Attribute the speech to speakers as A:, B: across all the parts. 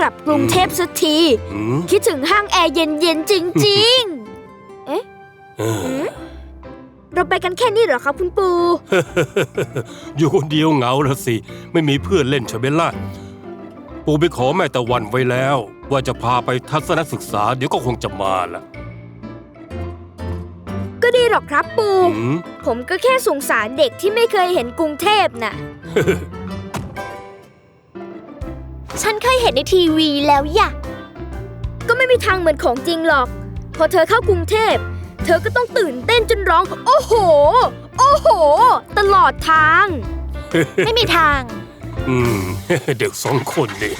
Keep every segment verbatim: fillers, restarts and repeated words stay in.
A: ลับกรุงเทพสักทีคิดถึงห้างแอร์เย็นๆจริงๆเอ๊ะเราไปกันแค่นี้เหรอครับคุณปู่
B: อยู่คนเดียวเหงาแล้วสิไม่มีเพื่อนเล่นใช่ไหมล่ะปู่ไปขอแม่ตะวันไว้แล้วว่าจะพาไปทัศนศึกษาเดี๋ยวก็คงจะมาล่ะ
A: ก็ดีหรอกครับปู่ผมก็แค่สงสารเด็กที่ไม่เคยเห็นกรุงเทพน่ะ
C: ฉันเคยเห็นในทีวีแล้วย่ะ
A: ก็ไม่มีทางเหมือนของจริงหรอกพอเธอเข้ากรุงเทพเธอก็ต้องตื่นเต้นจนร้องโอ้โหโอ้โหตลอดทาง
C: ไม่มีทาง
B: อืม เด็กสองคนนี่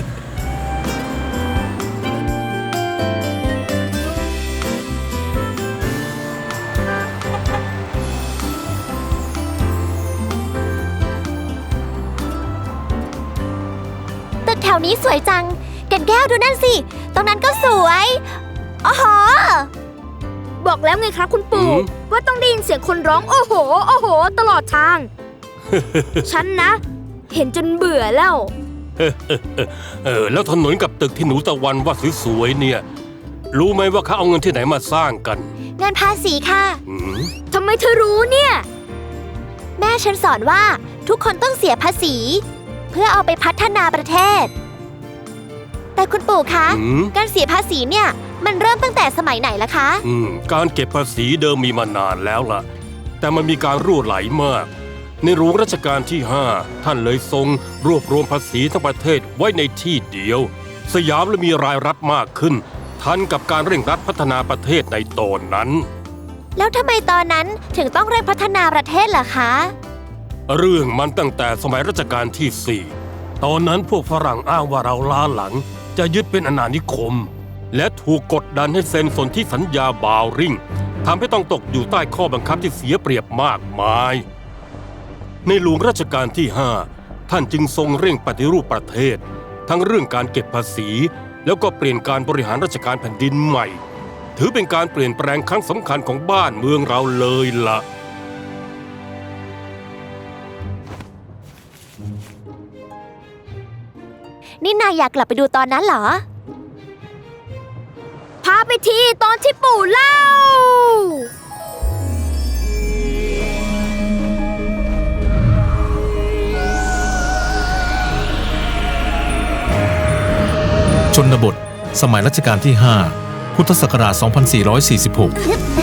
C: ตึกแถวนี้สวยจังแก่นแก้วดูนั่นสิตรงนั้นก็สวยโอ้โห
A: บอกแล้วไงครับคุณปู่ว่าต้องได้ยินเสียงคนร้องโอ้โหโอ้โหตลอดทาง ฉันนะเห็นจนเบื่อแล้ว
B: เออแล้วถนนกับตึกที่หนูตะวันว่าสวยๆเนี่ยรู้ไหมว่าเขาเอาเงินที่ไหนมาสร้างกัน
C: เงินภาษีค่ะ
A: ทำไมเธอรู้เนี่ย
C: แม่ฉันสอนว่าทุกคนต้องเสียภาษีเพื่อเอาไปพัฒนาประเทศแต่คุณปู่คะการเสียภาษีเนี่ยมันเริ่มตั้งแต่สมัยไหนล่ะคะ
B: การเก็บภาษีเดิมมีมานานแล้วล่ะแต่มันมีการรั่วไหลมากในหลวงรัชกาลที่ห้าท่านเลยทรงรวบรวมภาษีทั้งประเทศไว้ในที่เดียวสยามเลยมีรายรัฐมากขึ้นทันกับการเร่งรัดพัฒนาประเทศในตอนนั้น
C: แล้วทำไมตอนนั้นถึงต้องเร่งพัฒนาประเทศล่ะคะ
B: เรื่องมันตั้งแต่สมัยรัชกาลที่สี่ตอนนั้นพวกฝรั่งอ้างว่าเราล้าหลังจะยึดเป็นอาณานิคมและถูกกดดันให้เซ็นสนธิสัญญาบาวริ่งทำให้ต้องตกอยู่ใต้ข้อบังคับที่เสียเปรียบมากมายในหลวงรัชกาลที่ห้าท่านจึงทรงเร่งปฏิรูปประเทศทั้งเรื่องการเก็บภาษีแล้วก็เปลี่ยนการบริหารราชการแผ่นดินใหม่ถือเป็นการเปลี่ยนแปลงครั้งสำคัญของบ้านเมืองเราเลยล่ะ
C: นี่นายอยากกลับไปดูตอนนั้นเหรอ
A: พาไปทีตอนที่ปู่เล่า
D: ชนบทสมัยรัชกาลที่ห้าพุทธศักราชสองพันสี่ร้อยสี่สิบหก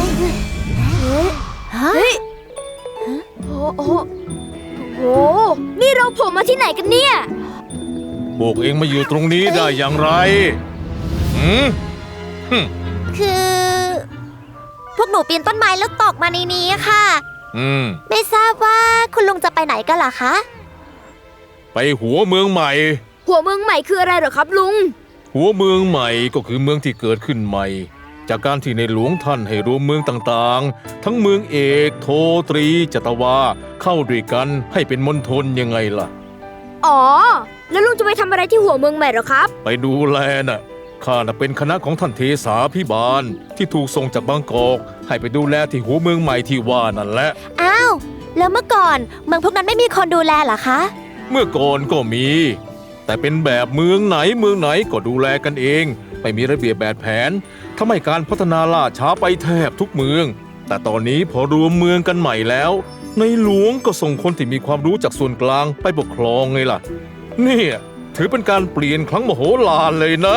A: เฮ้ยโอ้โหโอ้นี่เราโผล่มาที่ไหนกันเนี่ย
D: พวกเองมาอยู่ตรงนี้ได้อย่างไรหืม
C: คือพวกหนูปีนต้นไม้แล้วตกมาในนี้ค่ะ
D: อืม
C: ไม่ทราบว่าคุณลุงจะไปไหนกันล่ะคะ
D: ไปหัวเมืองใหม่
A: หัวเมืองใหม่คืออะไรเหรอครับลุง
D: หัวเมืองใหม่ก็คือเมืองที่เกิดขึ้นใหม่จากการที่ในหลวงท่านให้รวมเมืองต่างๆทั้งเมืองเอกโทตรีจัตวาเข้าด้วยกันให้เป็นมณฑลยังไงล่ะ
A: อ๋อแล้วลุงจะไปทำอะไรที่หัวเมืองใหม่หรอครับ
D: ไปดูแลน่ะข้าน่ะเป็นคณะของท่านเทสาพิบาลที่ถูกส่งจากบางกอกให้ไปดูแลที่หัวเมืองใหม่ที่ว่านั่นแหละ
C: อ้าวแล้วเมื่อก่อนเมืองพวกนั้นไม่มีคนดูแลเหรอคะ
D: เมื่อก่อนก็มีแต่เป็นแบบเมืองไหนเมืองไหนก็ดูแลกันเองไม่มีระเบียบแบบแผนทำให้การพัฒนาล่าช้าไปแทบทุกเมืองแต่ตอนนี้พอรวมเมืองกันใหม่แล้วในหลวงก็ส่งคนที่มีความรู้จากส่วนกลางไปปกครองไงล่ะนี่ถือเป็นการเปลี่ยนครั้งมโหฬารเลยนะ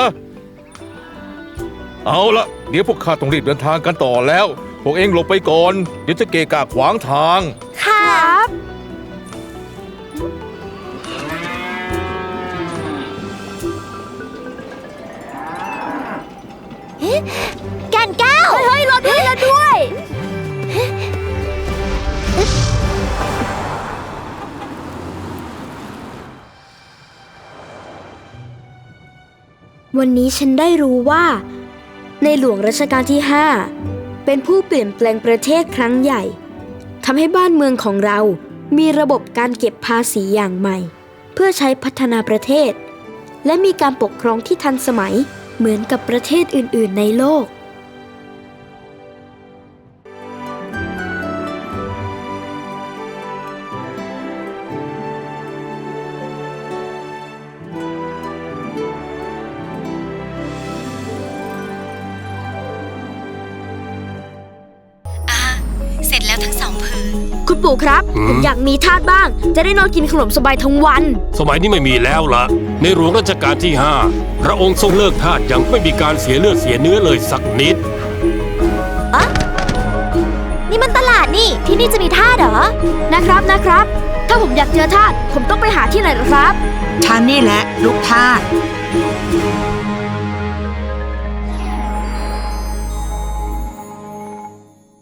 D: เอาละเดี๋ยวพวกข้าต้องรีบเดินทางกันต่อแล้วพวกเองหลบไปก่อนเดี๋ยวจะเกะกะขวางทาง
C: ครับแก่นแก้ว
A: เฮ้ยรอด้วยรอด้วยวันนี้ฉันได้รู้ว่าในหลวงรัชกาลที่ห้าเป็นผู้เปลี่ยนแปลงประเทศครั้งใหญ่ทำให้บ้านเมืองของเรามีระบบการเก็บภาษีอย่างใหม่เพื่อใช้พัฒนาประเทศและมีการปกครองที่ทันสมัยเหมือนกับประเทศอื่นๆในโลก
C: อ
E: แล้วทั้งสองผืน
A: คุณปู่ครับ
B: หืม
A: ผมอยากมีทาสบ้าง จะได้นอนกินขนมสบายทั้งวัน
B: สมัยนี้ไม่มีแล้วละในหลวงรัชกาลที่ห้าพระองค์ทรงเลิกทาสอย่างไม่มีการเสียเลือดเสียเนื้อเลยสักนิด
C: อะนี่มันตลาดนี่ ที่นี่จะมีท่าสเหรอ
A: นะครับนะครับ ถ้าผมอยากเจอทาสผมต้องไปหาที่ไหนเหรอครับ
E: ฉันนี่แหละลูกทาส